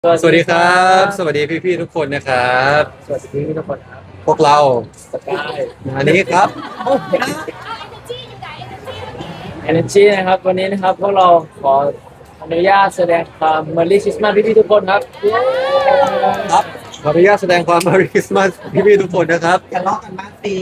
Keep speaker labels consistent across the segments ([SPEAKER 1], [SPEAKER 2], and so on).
[SPEAKER 1] สวัสดีครับสวัสดีพี่ๆทุกคนนะครับ
[SPEAKER 2] สวัสดีพี่ทุกคนครับ
[SPEAKER 1] พวกเรา
[SPEAKER 2] สกาย
[SPEAKER 1] อันนี้ครับ
[SPEAKER 2] Energy นะครับวันนี้นะครับพวกเราขออนุญาตแสดงความ Merry Christmas พี่ทุกคนครับเย้
[SPEAKER 1] ครับขออนุญาตแสดงความ Merry Christmas พี่ๆทุกคนนะครับ
[SPEAKER 3] ทะเลาะกันบ้างสิ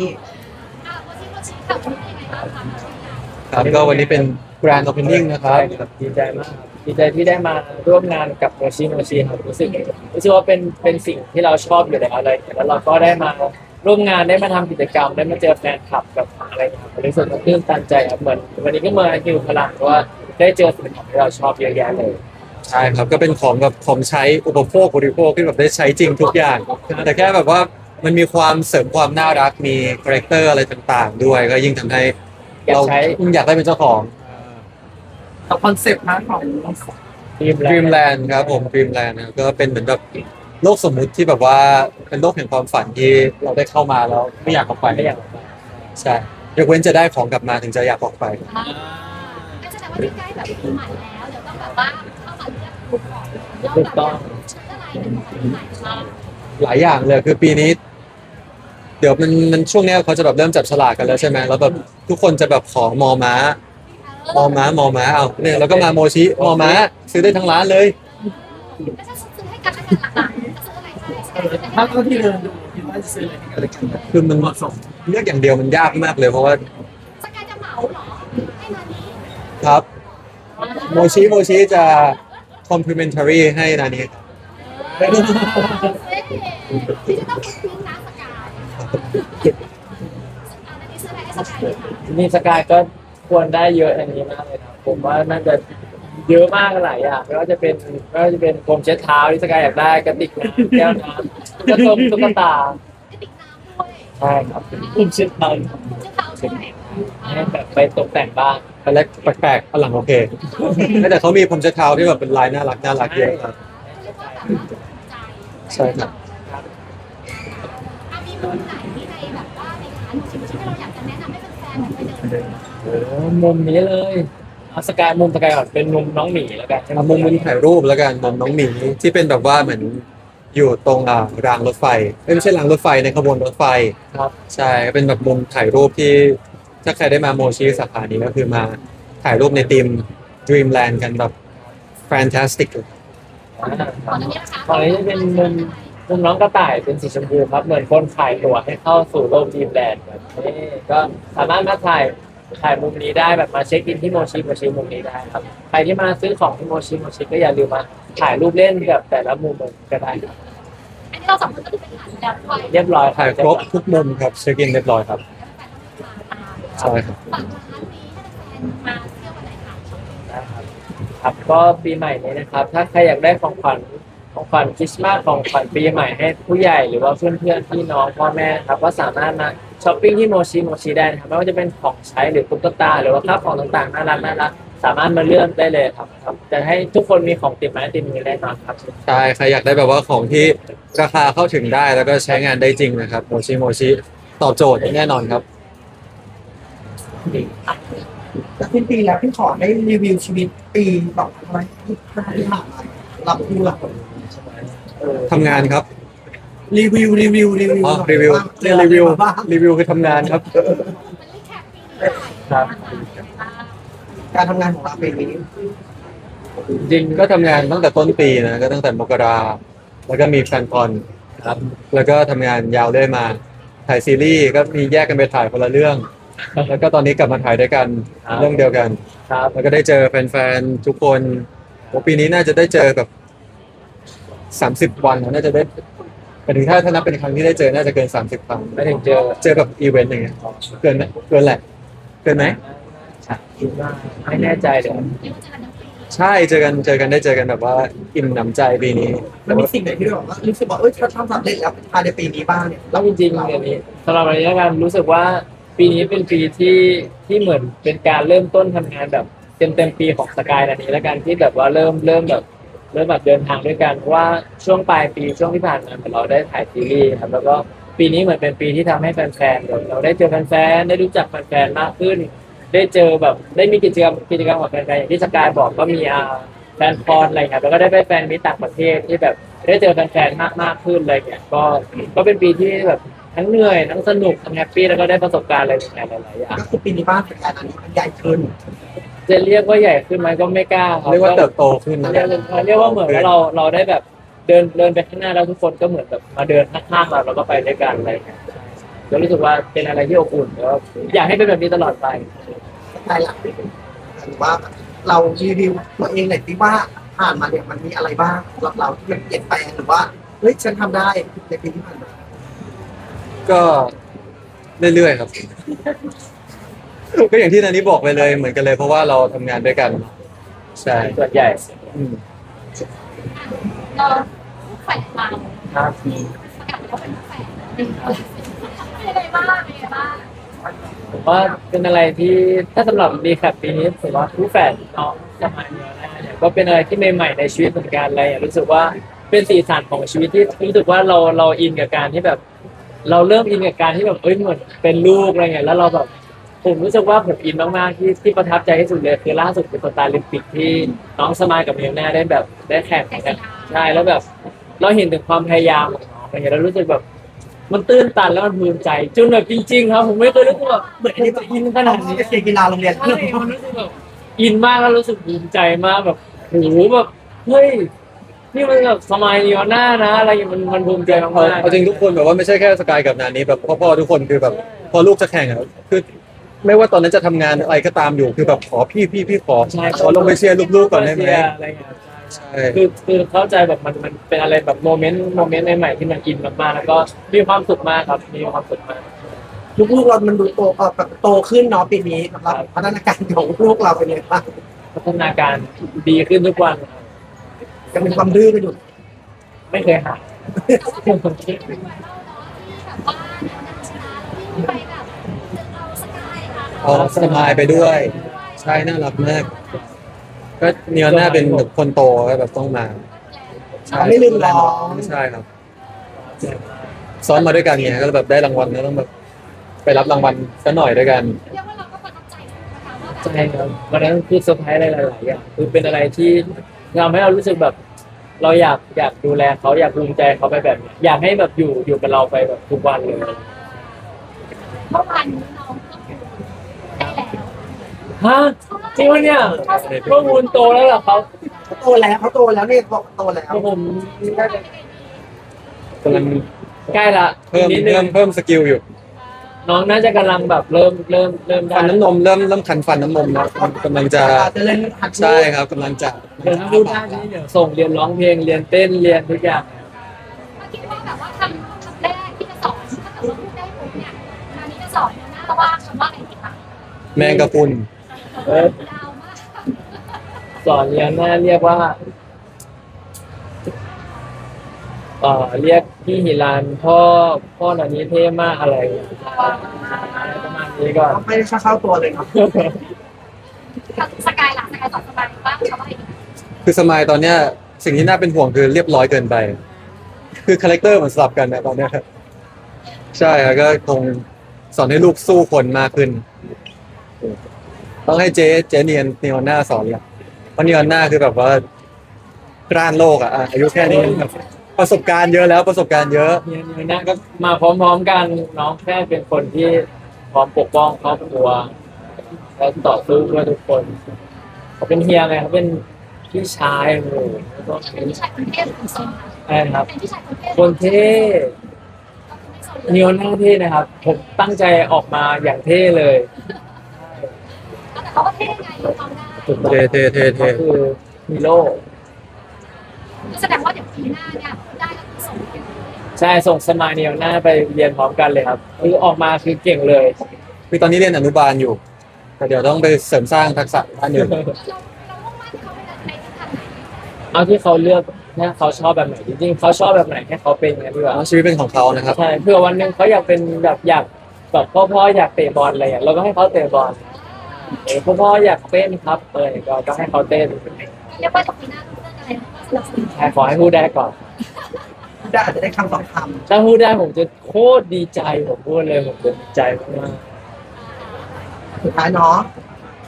[SPEAKER 1] ครับก็วันนี้เป็น Grand Opening นะครับ
[SPEAKER 2] ดีใจมากครับดีใจที่ได้มาร่วมงานกับโมชิครับรู้สึกว่าเป็นสิ่งที่เราชอบอยู่แล้วอะไรแล้วเราก็ได้มาร่วมงานได้มาทำกิจกรรมได้มาเจอแฟนคลับกับอะไรครับรู้สึกตื้นตันใจครับเหมือนวันนี้ก็มาฮิวพลังเพราะว่าได้เจอสิ่งของที่เราชอบเยอะแยะเลย
[SPEAKER 1] ใช่ครับก็เป็นของแบบของใช้อุปโภคบริโภคที่แบบได้ใช้จริงทุกอย่างแต่แค่แบบว่ามันมีความเสริมความน่ารักมีคาแรคเตอร์อะไรต่างๆด้วยก็ยิ่งทำให้เราอยากได้เป็นเจ้าของ
[SPEAKER 3] กับคอนเซปต์ของ
[SPEAKER 1] Dreamland ครับผม Dreamland นะครับก็เป็นเหมือนแบบโลกสมมุติที่แบบว่าเป็นโลกแห่งความฝันที่เราได้เข้ามาแล้วไม่อยากออกไป
[SPEAKER 2] ไม่อยากออกไป
[SPEAKER 1] ใช่ยกเว้นจะได้ของกลับมาถึงจะอยากออกไป
[SPEAKER 4] แสดงว่าใกล้แบบปีใหม่แล้วเดี๋ยวต้องแบบว่าเข้ามาเลือกกลุ่มของเราแบบชุดอะไรเป็นของปีใหม่ชอบ
[SPEAKER 1] หลายอย่างเลยคือปีนี้ เดี๋ยวมันช่วงเนี้ยเขาจะแบบเริ่มจับฉลากกันแล้วใช่ไหมแล้วแบบทุกคนจะแบบขอมอม้ามอม้าเอาเนี่ยแล้วก็มาโมชิมอม้าซื้อได้ทั้งร้านเลย
[SPEAKER 4] ไม่ใช่ซื้อให้กันแล้วกันหลักๆจะซื้ออะไรให้
[SPEAKER 3] ถ้าเท่าที่เดินดูคิดว่าจะซื้ออะไรให้กัน
[SPEAKER 1] คือมันเลือกอย่างเดียวมันยากมากเลยเพราะว่า
[SPEAKER 4] สกายจะเหมาเหรอให้นานี้
[SPEAKER 1] ครับโมชิจะ complimentary ให้นานี้
[SPEAKER 4] ที่จะต้องคุ้นนะสกายนานี้ซื้ออะไรให้สกายดีคะ
[SPEAKER 2] นี่สกายก็ควรได้เยอะอย่างนี้มากเลยนะผมว่าน่าจะเยอะมากหลายอย่างไม่ว่าจะเป็นโฟมเช็ดเท้าที่สกายอยากได้กระติกน้ำแก้วน้ำตุ๊กตาก
[SPEAKER 4] ระติกน้ำด้วย
[SPEAKER 2] ใช่ครับโฟมเช็ดเท้า
[SPEAKER 4] เจ้าเท้าด้วย
[SPEAKER 2] ให้แบบไปตกแต่งบ้าน
[SPEAKER 1] อันแรกแปลกๆอันหลังโอเคแต่เขามีผมจะเท้าที่แบบเป็นลายน่ารักเยอะครับใช่ครับ
[SPEAKER 4] มีมุมไหนที่ในแบบว่าในร้านชิมที่เราอยากจะแนะนำให้แฟนๆไปเดิน
[SPEAKER 2] โอ้มุมนี้เลยเอาสกายก่อนเป็นมุมน้องหมีแล้วกัน
[SPEAKER 1] เอามุมถ่ายรูปแล้วกันมุมน้องหมีที่เป็นแบบว่าเหมือนอยู่ตรงรางรถไฟไม่ใช่รางรถไฟในขบวนรถไฟ
[SPEAKER 2] ครับ
[SPEAKER 1] ใช่เป็นแบบมุมถ่ายรูปที่ถ้าใครได้มาโมชิสาขานี้ก็คือมาถ่ายรูปในทีม Dreamland กันแบบ fantastic
[SPEAKER 4] ตอนนี้นะคะ
[SPEAKER 2] ตอนนี้จะเป็นมุมน้องกระต่ายเป็นสีชมพูครับเหมือนคนขายตั๋วให้เข้าสู่โลกดีมแลนด์แบบนี้ก็สามารถมาถ่ายมุมนี้ได้แบบมาเช็คอินที่โมชิมุมนี้ได้ครับใครที่มาซื้อของที่โมชิก็อย่าลืมมาถ่ายรูปเล่นกับแต่ละมุมก็ได้ครับ
[SPEAKER 4] อันนี้เราสองคนก็คือเป็นฐานแล้วด้วย
[SPEAKER 2] เรียบร้อย
[SPEAKER 1] ถ่ายครบทุกมุมครับเช็คอินเรียบร้อยครับใช่ครับ
[SPEAKER 4] ฝากร้านนี้ให้แฟนๆมาเที่ยวกันหน่อยค่ะ
[SPEAKER 2] นะครับครับก็ปีใหม่นี้นะครับถ้าใครอยากได้ของขวัญคริสต์มาสของขวัญปีใหม่ให้ผู้ใหญ่หรือว่าเพื่อนๆพี่น้องพ่อแม่ครับก็สามารถมาช้อปปิ้งที่โมชิได้นะครับไม่ว่าจะเป็นของใช้หรือตุ๊กตาหรือว่าข้าวของต่างๆน่ารักสามารถมาเลือกได้เลยครับจะให้ทุกคนมีของติดไม้ติดมือแน่นอนครับ
[SPEAKER 1] ใช่ใครอยากได้แบบว่าของที่ราคาเข้าถึงได้แล้วก็ใช้งานได้จริงนะครับโมชิตอบโจทย์แน่นอนครับ
[SPEAKER 3] แล้วสิ้นปีแล้วพี่ขอได้รีวิวชีวิตปี2025ที่ผ่านมารับผู้หลัก
[SPEAKER 1] ทำงานครับ
[SPEAKER 3] รีวิว
[SPEAKER 1] อ๋อรีวิวคือทำงานครับ
[SPEAKER 2] ครับ
[SPEAKER 3] การทำงานของเราปีนี้
[SPEAKER 1] จริงก็ทำงานตั้งแต่ต้นปีนะก็ตั้งแต่มกราแล้วก็มีแฟนคอนครับแล้วก็ทำงานยาวเรื่อยมาถ่ายซีรีส์ก็มีแยกกันไปถ่ายคนละเรื่อง แล้วก็ตอนนี้กลับมาถ่ายด้วยกันเรื่องเดียวกัน
[SPEAKER 2] ครับ
[SPEAKER 1] แล้วก็ได้เจอแฟนๆทุกคนโอ้ปีนี้น่าจะได้เจอแบบ30 วันน่าจะได้หมายถึงถ้านับเป็นครั้งที่ได้เจอน่าจะเกิน30 ครั้ง
[SPEAKER 2] ไม่ถึงเจอ
[SPEAKER 1] แบบอีเวนต์อย่างเงี้ยเกินไหมเกินแหละเกินไหม
[SPEAKER 2] คิดว่าไม่แน่ใจเลย
[SPEAKER 1] ใช่เจอกันได้เจอกันแบบว่าอิ่มหนำใจปีนี้
[SPEAKER 3] แล้วมีสิ่งไหนที่เรารู้สึกว่าถ้าทำสำเร็จแล้วภายในปีนี้บ้างเนี่ย
[SPEAKER 2] แล้วจริงๆอย่างนี้สำหรับระยะการรู้สึกว่าปีนี้เป็นปีที่เหมือนเป็นการเริ่มต้นทำงานแบบเต็มปีของสกายอันนี้แล้วกันที่แบบว่าเริ่มแบบเดินทางด้วยกันเพราะว่าช่วงปลายปีช่วงที่ผ่านมาเราได้ถ่ายซีรีส์ครับแล้วก็ปีนี้เหมือนเป็นปีที่ทำให้แฟนๆเราได้เจอแฟนๆได้รู้จักแฟนๆมากขึ้น ได้เจอแบบได้มีกิจกรรมกับแฟนๆอย่างที่สกายบอกก็มีแฟนคอนอะไรเงี้ยแล้วก็ได้ไปแฟนมิตรต่างประเทศที่แบบได้เจอแฟนๆมากขึ้นอะไรเงี้ยก็เป็นปีที่แบบทั้งเหนื่อยทั้งสนุกทั้งแฮปปี้แล้วก็ได้ประสบการณ์อะไรใหม่ๆหลายๆอย่าง
[SPEAKER 3] ก็คือปีนี้บ้านเป็นการอันนี้มันใหญ่ขึ้น
[SPEAKER 2] จะเรียกว่าใหญ่ขึ้นไหมก็ไม่กล้าครับ
[SPEAKER 1] เรียกว่าเติบโตขึ้นนะ
[SPEAKER 2] เรียกว่าเหมือนว่าเราได้แบบเดินไปข้างหน้าแล้วทุกคนก็เหมือนแบบมาเดินข้างๆเราแล้วก็ไปด้วยกันอะไรเงี้ยก็รู้สึกว่าเป็นอะไรที่อบอุ่นแล้วอยากให้เป็นแบบนี้ตลอดไป
[SPEAKER 3] ใช่หลักหรือว่าเรารีวิวตัวเองหน่อยสิว่าผ่านมาเนี่ยมันมีอะไรบ้างสำหรับเราที่มันเปลี่ยนแปลงหรือว่าเฮ้ยฉันทำได้ในปีที่ผ่านมา
[SPEAKER 1] ก็เรื่อยๆครับ ก็อย่างที่นันนี้บอกไปเลยเหมือนกันเลย เพราะว่าเราทำงานด้วยกันใช่
[SPEAKER 2] ส่วนใหญ่
[SPEAKER 1] อืม
[SPEAKER 4] เราแฝงเรา
[SPEAKER 2] ครับ
[SPEAKER 4] ประกาศว่าเป็นแฝงเป็นยังไงบ้างเป็นยังไงบ้าง
[SPEAKER 2] ผมว่าเป็นอะไรที่ถ้าสำหรับดีแคปปีนี้ผมว่าคู่แฝดน้องสมัยเนี้ยเนี่ยก็เป็นอะไรที่ใหม่ๆในชีวิตเหมือนกันอะไรอย่างรู้สึกว่าเป็นสีสันของชีวิตที่รู้สึกว่าเราอินกับการที่แบบ เราเริ่มอินกับการที่แบบเหมือนเป็นลูกอะไรเงี้ยแล้วเราแบบผมรู้สึกว่าผมอินมากๆที่ประทับใจที่สุดเลยคือล่าสุดเป็นสตาร์ลิมปิกที่น้องสมายกับเมียแน่ได้แบบได้แข่งกันใช่แล้วแบบ เราเห็นถึงความพยายามของน้องอะไรเงี้ยเรารู้สึกแบบ มันตื้นตันแล้วมันภูมิใจจนแบบจริงๆครับผมไม่เคยรู้สึกแบบเหมือนจะอินขนาดนี้
[SPEAKER 3] ไปเชียร์กีฬาโรงเรียน
[SPEAKER 2] ใช่มันรู้สึกแบบอินมากแล้วรู้สึกภูมิใจมากแบบโหแบบเฮ้ยนี่มันแบบสมัยนีออนหน้านะอะไรอย่างเงี้ยมันภูมิใจมากๆ
[SPEAKER 1] เอาจริงทุกคนแบบว่าไม่ใช่แค่สกายกับนานี้แบบพ่อๆทุกคนคือแบบพอลูกจะแข่งอ่ะคือไม่ว่าตอนนั้นจะทำงานอะไรก็ตามอยู่คือแบบขอพี่ขอ
[SPEAKER 2] ใช่
[SPEAKER 1] ขอลงไปเชียร์ลูกๆก่อนได้ไหม
[SPEAKER 2] อะไรเงี้ย
[SPEAKER 1] ใช่
[SPEAKER 2] คือเข้าใจแบบมันเป็นอะไรแบบโมเมนต์ใหม่ๆที่มันอินมากๆแล้วก็มีความสุขมากครับมีความสุขมาก
[SPEAKER 3] ลูกๆเรามันดูโตแบบโตขึ้นเนาะปีนี้สำหรับพัฒนาการของลูกเราเป็นยังไงบ้าง
[SPEAKER 2] พัฒนาการดีขึ้นทุกวันครับ
[SPEAKER 3] ยังมีความดื้อกันอยู่
[SPEAKER 2] ไม่เคยหาย
[SPEAKER 4] แต่ว่าเป็นคลิปเป็นไวรัลเนาะที่แบบว่าเดี๋ยวนักชนะวิ่งไปแบบเอาสกายค่ะ
[SPEAKER 1] เอาสมายไปด้วย ใช่น่ารักมาก ก็เนียน่าเป็นแบบคนโตก็แบบต้องมาใช่
[SPEAKER 3] ไม่ลืมร้อง
[SPEAKER 1] ใช่ครับ ซ้อมมาด้วยกันไงก็แบบได้รางวัลก็ต้องแบบไปรับรางวัลสักหน่อยด้วยกัน
[SPEAKER 4] เรียกว่าเราก็ประทับใจนะคะว่าแบบ
[SPEAKER 2] ใช่ครับวันนั้นคือเซอร์ไพรส์อะไรหลายๆอย่างคือเป็นอะไรที่ทำให้เรารู้สึกแบบ เราอยากดูแลเขาอยากภูมิใจเขาไปแบบนี้อยากให้แบบอยู่กับเราไปแบบทุกวันเลย
[SPEAKER 4] เมื่อวานนี้น้องก็คือได้แล้ว
[SPEAKER 2] ฮะจริงวะเนี่ยพวกคุณโตแล้วเหรอครับ
[SPEAKER 3] เขาโตแล้วเนี่ยบอกโตแล้ว
[SPEAKER 2] ผมน่าจะ
[SPEAKER 1] กำลัง
[SPEAKER 2] ใกล้ละ
[SPEAKER 1] เพิ่ม
[SPEAKER 2] นิดนึง
[SPEAKER 1] เพิ่มสกิลอยู่
[SPEAKER 2] น้องน่าจะกำลังแบบเริ่มได้
[SPEAKER 1] ฟันน้ำนมเริ่มคันฟันน้ำนมแล้วกำลังจะ
[SPEAKER 3] จะเล่นหัด
[SPEAKER 1] ใช่ครับกำลังจะ
[SPEAKER 2] เดี๋ยวถ้าพูดได้นี่เดี๋ยวส่งเรียนร้องเพลงเรียนเต้นเรียนทุกอย่าง
[SPEAKER 4] เมื่อกี้ว่าแบบว่าคำแรกที่จะสอนถ้าเกิดว่าพูดได้ปุ๊บเนี่ยคราวนี้จะสอนหน้าว่าคำว่าอะไรดีคะ
[SPEAKER 1] แมงกะพรุน
[SPEAKER 2] เออย
[SPEAKER 4] าวมาก
[SPEAKER 2] สอนเรียนน่าเรียกว่าเรียกพี่หิรันพ่อหน่อยนี้เท่มากอะไรอย่างเงี้ยประมาณนี้ก่อน
[SPEAKER 3] ไม่ได้เข้าตัวเลยครับ
[SPEAKER 4] สกายหลังสกายสอนสบายบ้างคำว่าอะไรดี
[SPEAKER 1] คือสมายตอนเนี้ยสิ่งที่น่าเป็นห่วงคือเรียบร้อยเกินไป คือคาแรคเตอร์มันสลับกันนะตอนเนี้ยใช่ครับก็คงสอนให้ลูกสู้คนมากขึ้น ต้องให้เจ๊เนียนหน้าสอนละเพราะเนียนหน้าคือแบบว่ากล้านโลกอ่ะอายุแค่นี้แบบประสบการณ์เยอะแล้วประสบการณ์เยอะ
[SPEAKER 2] เนี่ยนะก็มาพร้อมๆกันน้องแค่เป็นคนที่พร้อมปกป้องครอบครัวและต่อสู้เพื่อทุกคนเขาเป็นเฮียไงเขาเป็นพี่ชายโอ้โหแล้วก็
[SPEAKER 4] เป็นพี่ชายคนเทพหรือโซนคะ
[SPEAKER 2] อะไรนะครับ
[SPEAKER 4] เป็นพี่ชายคนเทพ
[SPEAKER 2] คนเท่
[SPEAKER 4] ก็คือไม่โซนเลย
[SPEAKER 2] เนียวหน้าเท่นะครับ ผมตั้งใจออกมาอย่างเท่เลย
[SPEAKER 4] แต่เขาก็เท่ไงดูความได้
[SPEAKER 2] ถูกต้อง
[SPEAKER 1] เท่
[SPEAKER 2] ก็คือฮีโร่
[SPEAKER 4] ก็แสดงว่าเดี๋ยวปีหน้าเนี่ยได้แล้วคือส่งไปเลย
[SPEAKER 2] ใช่ส่งสมายเนียวหน้าไปเรียนพร้อมกันเลยครับคือออกมาคือเก่งเลย
[SPEAKER 1] คือตอนนี้เรียนอนุบาลอยู่แต่เดี๋ยวต้องไปเสริมสร้างทักษะด้านอื่น
[SPEAKER 4] เรามุ่งมั่นเขาในทิศทางไหน
[SPEAKER 2] เอาที่เขาเลือกเนี่ยเขาชอบแบบไหนจริงๆเขาชอบแบบไหนให้เขาเป็นอย่างนั้นดีกว่า
[SPEAKER 1] ชีวิตเป็นของเขานะครับ
[SPEAKER 2] ใช่เพื่อวันหนึ่งเขาอยากเป็นแบบอยากแบบพ่ออยากเตะบอลอะไรอย่างเงี้ยเราก็ให้เขาเตะบอลพ่ออยากเต้นครับก็ให้เขาเต้น
[SPEAKER 4] เรียกว่าจากปีหน้าเรื่องอะไรก็สนับสนุน
[SPEAKER 2] ใช่ขอให้พูดได้ก่อน
[SPEAKER 3] ได้อาจจะได้คำสองค
[SPEAKER 2] ถ้าพูดได้ผมจะโคตรดีใจผมพูดเลยผมจะดีใจมาก
[SPEAKER 3] ำสุดท้ายเนาะข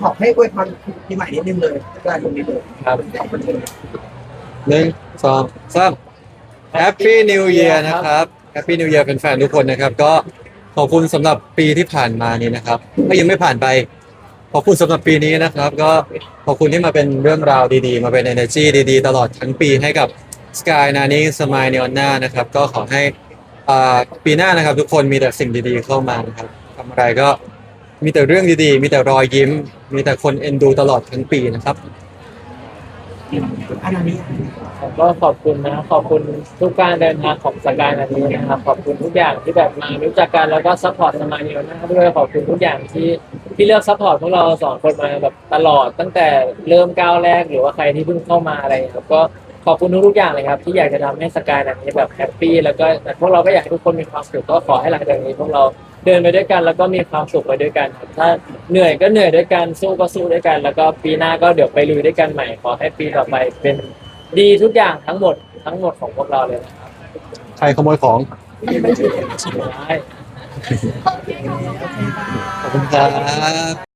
[SPEAKER 3] ขอให้อวยพรปีใหม่นิดนึงเลยได้ตรงนี้เลย
[SPEAKER 2] ครับ
[SPEAKER 3] เอาไปเลย
[SPEAKER 1] 1 2 3 Happy New Year นะครับ Happy New Year เป็นแฟนๆทุกคนนะครับ ก็ขอบคุณสำหรับปีที่ผ่านมานี้นะครับก็ยังไม่ผ่านไป ขอบคุณสำหรับปีนี้นะครับ ก็ขอบคุณที่มาเป็นเรื่องราวดีๆ มาเป็น energy ดีๆ ตลอดทั้งปีให้กับ Sky Nani Smile Neona นะครับ ก็ขอให้ปีหน้านะครับ ทุกคนมีแต่สิ่งดีๆเข้ามานะครับทำอะไรก็มีแต่เรื่องดีๆ มีแต่รอยยิ้ม มีแต่คนเอ็นดูตลอดทั้งปีนะครับ
[SPEAKER 3] อันนี้
[SPEAKER 2] ผมก็ขอบคุณนะขอบคุณทุกการเดินทางของสกายนันนี้นะครับขอบคุณทุกอย่างที่แบบมารู้จักกันแล้วก็ซัพพอร์ตสมายเนียนะครับด้วยขอบคุณทุกอย่างที่เลือกซัพพอร์ตพวกเราสองคนมาแบบตลอดตั้งแต่เริ่มก้าวแรกหรือว่าใครที่เพิ่งเข้ามาอะไรครับก็ขอบคุณทุกๆอย่างเลยครับที่อยากจะทำให้สกายนันนี้แบบแฮปปี้แล้วก็พวกเราก็อยากให้ทุกคนมีความสุขก็ขอให้หลังจากนี้พวกเราเดินไปด้วยกันแล้วก็มีความสุขไปด้วยกันครับถ้าเหนื่อยก็เหนื่อยด้วยกันสู้ก็สู้ด้วยกัน แล้วก็ปีหน้าก็เดี๋ยวไปลุยด้วยกันใหม่ขอให้ปีต่อไปเป็นดีทุกอย่างทั้งหมดของพวกเราเลยนะครับ
[SPEAKER 1] ใครขโมยของ
[SPEAKER 2] ได้
[SPEAKER 4] โอเคขอบคุณค่ะ
[SPEAKER 1] ขอบคุณครับ